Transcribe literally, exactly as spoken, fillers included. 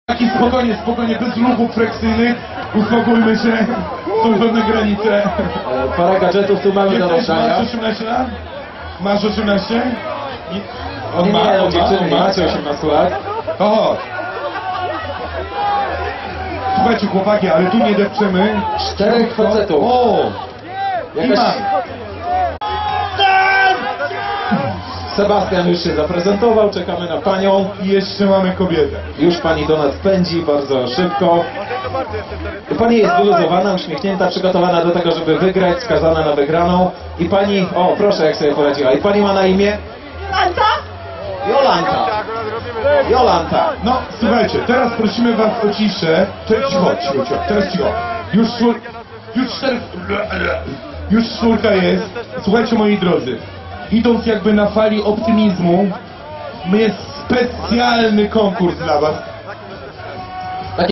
Taki spokojnie, spokojnie, bez ruchów fleksyjnych, uspokójmy się, są pewne granice. E, Parę gadżetów tu mamy do Jesteś, rozdania. masz osiemnaście lat? Masz osiemnaście? Nie. On Nie, ma, nie, on no, ma, dziewczyny on nie ma. macie osiemnastu lat. O! Słuchajcie chłopaki, ale tu nie depczemy. Czterech facetów. O! I Jakaś... ma. Sebastian już się zaprezentował, czekamy na panią. I jeszcze mamy kobietę. Już pani do nas pędzi bardzo szybko. Pani jest wyluzowana, uśmiechnięta, przygotowana do tego, żeby wygrać, skazana na wygraną. I pani, o proszę jak sobie poradziła. I pani ma na imię? Jolanta? Jolanta. Jolanta. No, słuchajcie, teraz prosimy was o ciszę. Teraz cicho, cicho, cicho, teraz cicho. Już czwór... Już cztery... Już czwórka jest. Słuchajcie moi drodzy, idąc jakby na fali optymizmu, jest specjalny konkurs dla was.